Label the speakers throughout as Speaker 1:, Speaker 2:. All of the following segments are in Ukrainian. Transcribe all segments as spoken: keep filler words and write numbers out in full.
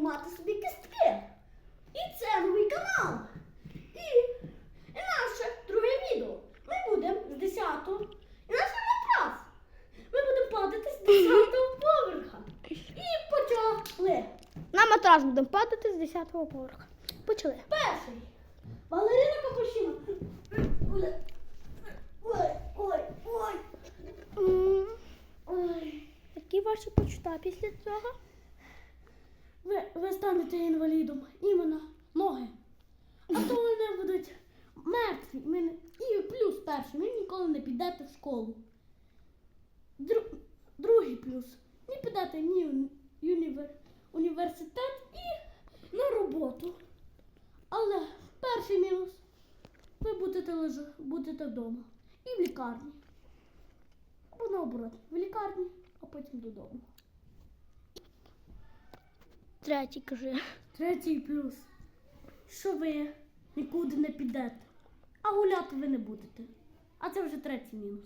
Speaker 1: поламати собі кістки. І це новий канал. І, і наше друге відео. Ми будемо з десятого. І наш матрас. Ми будемо падати з десятого поверха. І почали.
Speaker 2: На матрас будемо падати з десятого поверха. Почали.
Speaker 1: Перший. Балерина Капучино. Ой, ой, ой.
Speaker 2: М,
Speaker 1: Ой.
Speaker 2: Які ваші почуття після цього?
Speaker 1: Ви, ви станете інвалідом. Іменно ноги. А то вони будуть мертві. Ми не- І плюс перший. Ви ніколи не підете в школу. Дру, другий плюс. Не підете ні в універ, університет і на роботу. Але перший мінус. Ви будете лежа, будете вдома. І в лікарні. Або наоборот. В лікарні, а потім додому.
Speaker 2: Третій, кажи.
Speaker 1: Третій плюс. Що ви нікуди не підете. А гуляти ви не будете. А це вже третій мінус.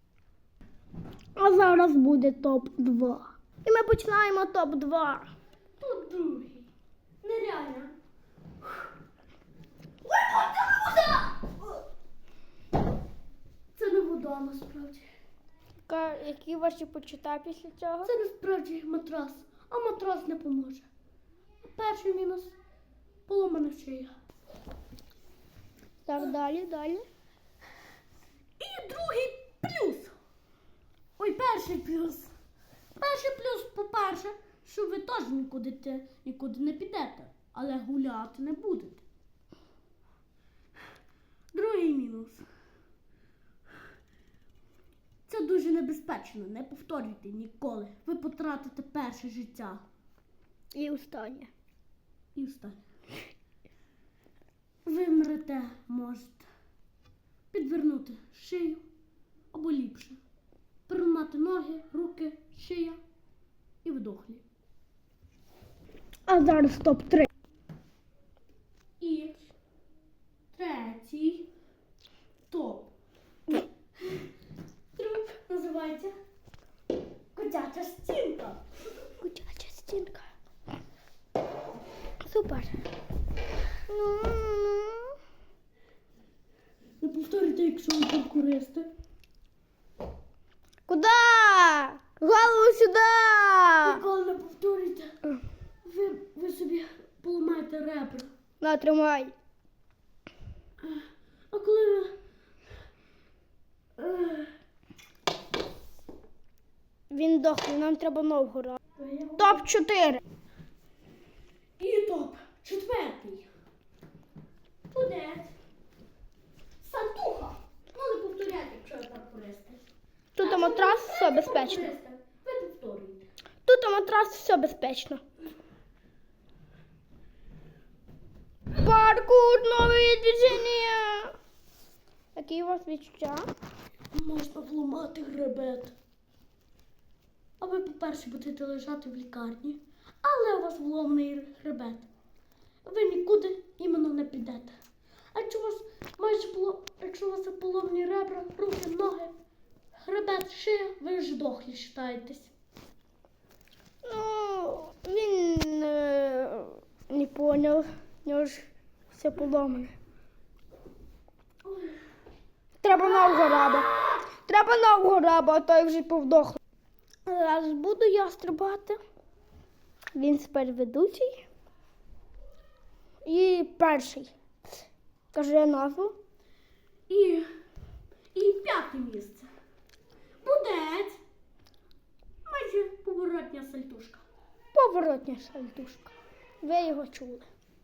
Speaker 2: А зараз буде топ два. І ми починаємо топ два.
Speaker 1: Тут другий. Нереально. Ой, це вода! Це не вода насправді.
Speaker 2: Ка- Які ваші почуття після цього?
Speaker 1: Це насправді матрас. А матрас не поможе. Перший мінус – поломана шия.
Speaker 2: Так, далі, далі.
Speaker 1: І другий плюс. Ой, перший плюс. Перший плюс, по-перше, що ви теж нікуди, те- нікуди не підете, але гуляти не будете. Другий мінус. Це дуже небезпечно, не повторюйте ніколи. Ви потратите перше життя.
Speaker 2: І останнє.
Speaker 1: І встань. Ви мрете можете підвернути шию або ліпше. Переламати ноги, руки, шия і вдохлі.
Speaker 2: А зараз топ три.
Speaker 1: І третій топ. Труп називається котяча стінка.
Speaker 2: Кутяча стінка. Супер. Ну, ну.
Speaker 1: Не повторюйте, якщо ви паркуристи.
Speaker 2: Куда? Голову сюди!
Speaker 1: Ніколи не повторюйте. Ви, ви собі поламаєте ребра.
Speaker 2: На, тримай.
Speaker 1: А коли ви... Ех,
Speaker 2: Він дохлий, нам треба нового разу.
Speaker 1: я-
Speaker 2: Топ чотири.
Speaker 1: І топ. Четвертий. Тудець. Сантуха. Ну, не повторяйте, якщо ви паркуристи.
Speaker 2: Тут
Speaker 1: А
Speaker 2: матрас,
Speaker 1: якщо ви
Speaker 2: все
Speaker 1: не
Speaker 2: безпечно.
Speaker 1: паркуристи, Ви повторюєте.
Speaker 2: Тут матрас, все безпечно. Паркур, нові движення. Які у вас відчуття?
Speaker 1: Можна вламати хребет. А ви, по-перше, будете лежати в лікарні, але у вас вломний хребет. Ви нікуди іменно не підете. А якщо у вас майже поло... якщо у вас є поломні ребра, руки, ноги, хребет, шия, ви ж дохлі вважаєтесь.
Speaker 2: Ну, він е, не поняв. У нього ж все поломане. Треба нового раба. Треба нового раба, а той вже повдохлий. Зараз буду я стрибати. Він тепер ведучий. І перший. Кажи назву.
Speaker 1: І, і п'яте місце. Будець. Майже поворотня сальтушка.
Speaker 2: Поворотня сальтушка. Ви його чули.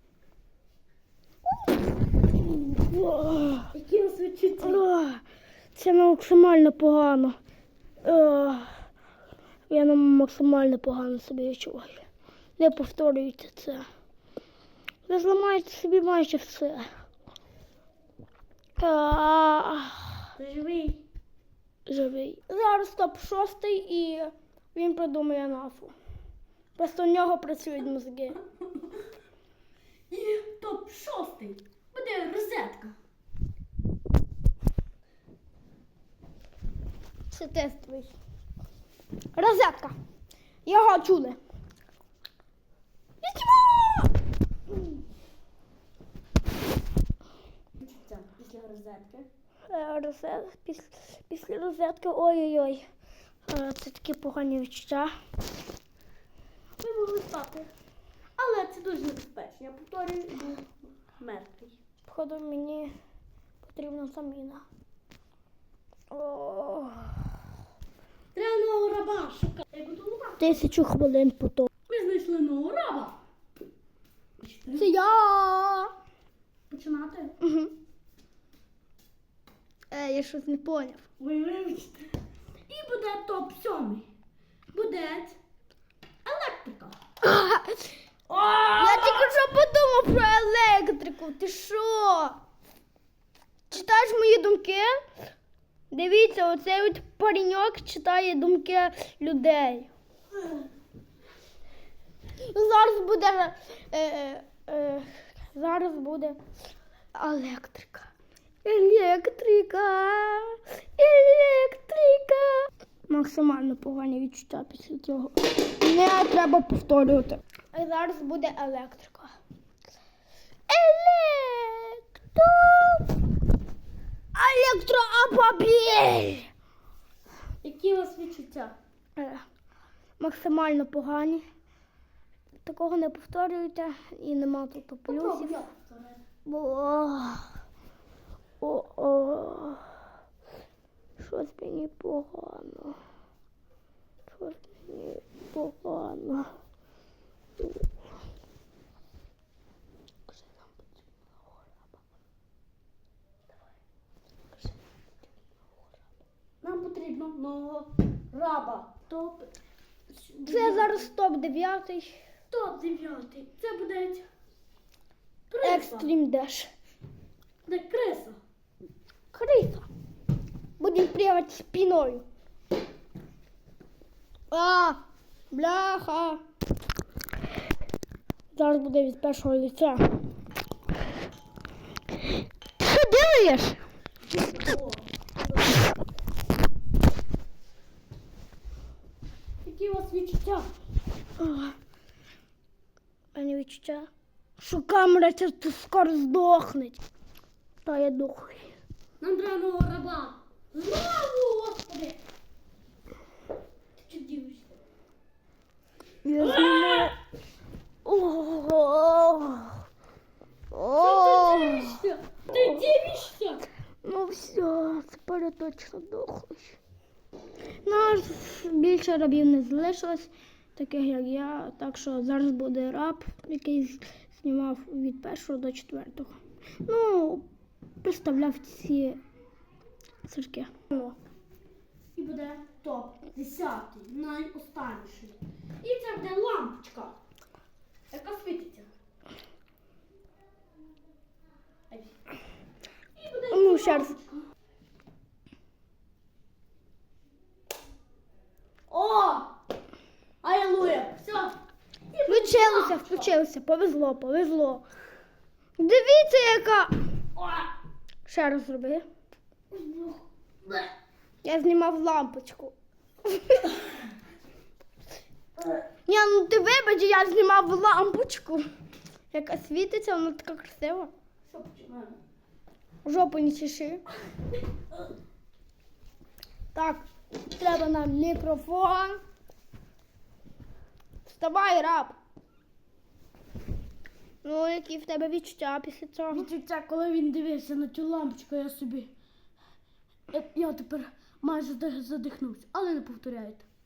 Speaker 1: Які у вас відчуття?
Speaker 2: Ох, це максимально погано. Ох, я нам максимально погано собі відчуваю. Не повторюйте це. Ви зламаєте собі майже все. Ах,
Speaker 1: Ти живий.
Speaker 2: живий. Зараз топ шостий і він придумає назву. Просто в нього працюють мозги.
Speaker 1: І топ шостий буде розетка.
Speaker 2: Це тестовий. Розетка. Його чули. Відчуваю!
Speaker 1: розетки.
Speaker 2: Е, Розет, після, після розетки, ой-ой-ой. Е, Це такі погані відчуття.
Speaker 1: Ви могли спати. Але це дуже небезпечно. Я повторюю, був мертвий.
Speaker 2: Походу, мені потрібна заміна. О,
Speaker 1: Треба нового раба шукати. Як готова?
Speaker 2: тисячу хвилин потім.
Speaker 1: Ми знайшли нового раба.
Speaker 2: Це я.
Speaker 1: Починати?
Speaker 2: Угу. Е, я щось не поняв.
Speaker 1: Ви вибачте. І буде топ сьомий. Буде електрика.
Speaker 2: Я тільки що подумав про електрику. Ти що? Читаєш мої думки? Дивіться, оцей от пареньок читає думки людей. Зараз буде. Е, е, е, зараз буде електрика. Електрика. Електрика. Максимально погані відчуття після цього. Не треба повторювати. А зараз буде електрика. Електро. Електроавтомобіль.
Speaker 1: Які у вас відчуття?
Speaker 2: Е, Максимально погані. Такого не повторюйте і нема тут плюсів.
Speaker 1: Попробуй я повторити.
Speaker 2: Бо о, о, щось мені погано. Щось мені погано.
Speaker 1: Нам потрібно нового раба. Топ.
Speaker 2: Це зараз топ дев'ятий.
Speaker 1: топ дев'ятий. Це буде криса.
Speaker 2: Екстрім Деш.
Speaker 1: Де криса.
Speaker 2: Криса. Будемо плівати спиною. А, бляха. Зараз буде від першого лиця. Що делаєш?
Speaker 1: О. Які у вас відчуття?
Speaker 2: А не відчуття, що камера ця тут скоро здохне. Та я дохую.
Speaker 1: Нам треба нового раба. Знову, господи. Ти що дивишся?
Speaker 2: Я знімаю. Ого.
Speaker 1: Ти дивишся? Ти дивишся?
Speaker 2: Ну все, тепер я точно дохую. Нас більше рабів не залишилось, таких як я. Так що зараз буде раб, який знімав від першого до четвертого. Ну, представляв ці цирки. Ну.
Speaker 1: І буде топ десятий, найостанніший. І це буде лампочка, яка світиться. Ай. І буде
Speaker 2: Ну, ще раз.
Speaker 1: лампочка. О! Алілуя! Все.
Speaker 2: Включилося, включилося, повезло, повезло. Дивіться, яка. Ще раз зроби. Я знімав лампочку. Ні, ну ти вибач, я знімав лампочку. Яка світиться, вона така красива.
Speaker 1: Що починаємо?
Speaker 2: Жопу не чеши. Так, треба нам мікрофон. Вставай, раб. Ну, які в тебе відчуття після цього?
Speaker 1: Відчуття, коли він дивився на цю лампочку, я собі. Я, я тепер майже задих- задихнувся, але не повторяйте.